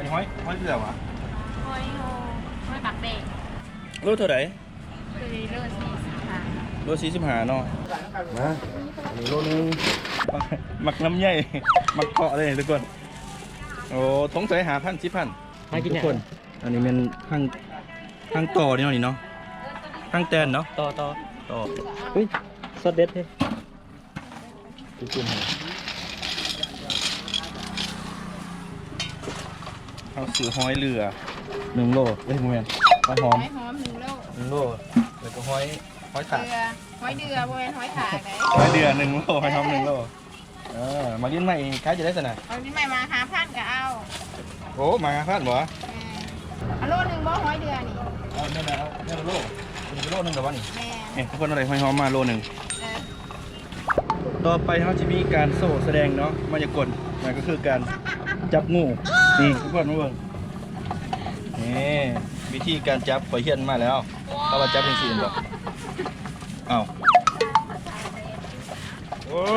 ห้อยเรือวะห้อยโฮห้อยปักเด็กโลเท่าไหร่คือเลือดสีสีขาวโล45เนาะมาอันนี้โลนึงหมักน้ำใหญ่หมักเกาะเลยทุกคนโอ้ทงใส่10,000 10,000ทุกคนอันนี้เป็นทางต่อนี่เนาะนี่เนาะทางแตนเนาะต่ออุ้ยสดเด็ดเฮ้จุ่มเอาสือห้อยเรือ1 โลเอ้ยโมเมนหอยหอมห้อยหอม1 โล 1 โลแล้วก็ห้อยถาดเดือห้อยเดือโบเป็นห้อยถากเลยห้อยเดือ1 โลห้อยหอม1 โลมาเลี้ยงใหม่ขายจะได้สนะเอาที่ใหม่มา5,000ก็เอาโอ้มาพลาดบ่เอาโลนึงบ่ห้อยเดือนี่เอาเนี่ยนะเอาเนี่ยโล1 โลนึงแต่ว่านี่แม่เนี่ยทุกคนอะไรห้อยหอมมาโลนึงเออต่อไปเขาจะมีการโซ่แสดงเนาะมายากลนั่นก็คือการจับงูนี่ทุกคนมาเบิ่งนี่วิธีการจับข่อยเฮียนมาแล้วเขาว่าจับเป็นสี่บ่เอ้าโอ้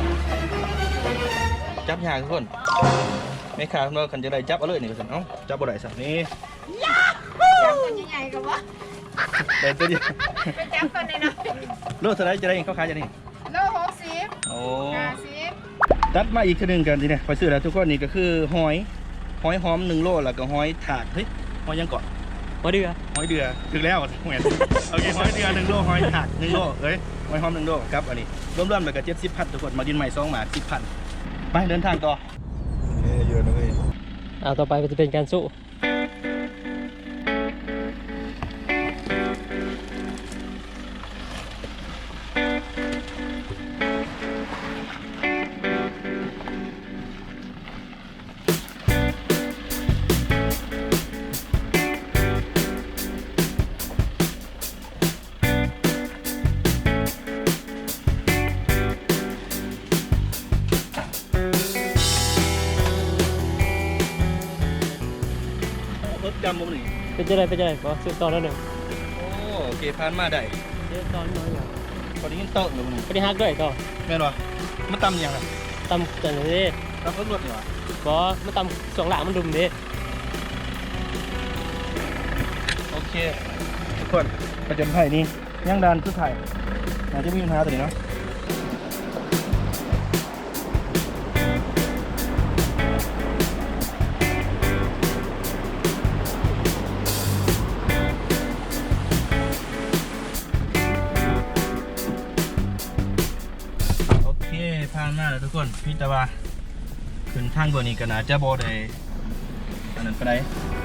จับยากทุกคนไม่ขาดเราคันจะได้จับเอาเลยนี่เอ้าจับบ่ได้สักนี่จับคนใหญ่ๆกับว่าแต่ตัวเดียวไปจับคนในน้อยโลเท่าไรจะได้เขาขายจะนี่โล60 โอ้ 50 ตัดมาอีกทีหนึงกันทีเนี่ยไปซื้อแล้วทุกคนนี่ก็คือหอยหอม1 โลแล้วก็หอยถาดเฮ้ยหอยยังเกาะมาดื้อหอยเดือถึงแล้วเหมือนโอเคหอยเดือ1 โลหอยถาด1 โลเอ้ยหอยหอม1 โลครับอันนี้รวมๆแล้วก็70,000ทุกคนมาดินใหม่2 หมา10,000ไปเดินทางต่อเยอะนะเว้ยต่อไปก็จะเป็นการสู้รถจำมุมนี่เป็นจะได้ก็สู้ต่อแล้วหนึ่งโอเคผ่านมาได้เดี๋ยวตอนน้อยอย่างพอดีกินโต๊ะหรือมึงไม่ได้ฮักด้วยต่อแม่นวะมันตำยังไงตำจันเลยตำรถนี่วะก็มาตำสองหลังมันดุมเด้โอเคทุกคนประจำไผ่นี่ย่างดานคือไผ่อาจจะมีปัญหาตัวนี้เนาะโอเคผ่านมาแล้วทุกคนพี่ตะวาขึ้นทางเบอร์นี้กันนะจะบอได้อันนั้นไปไหน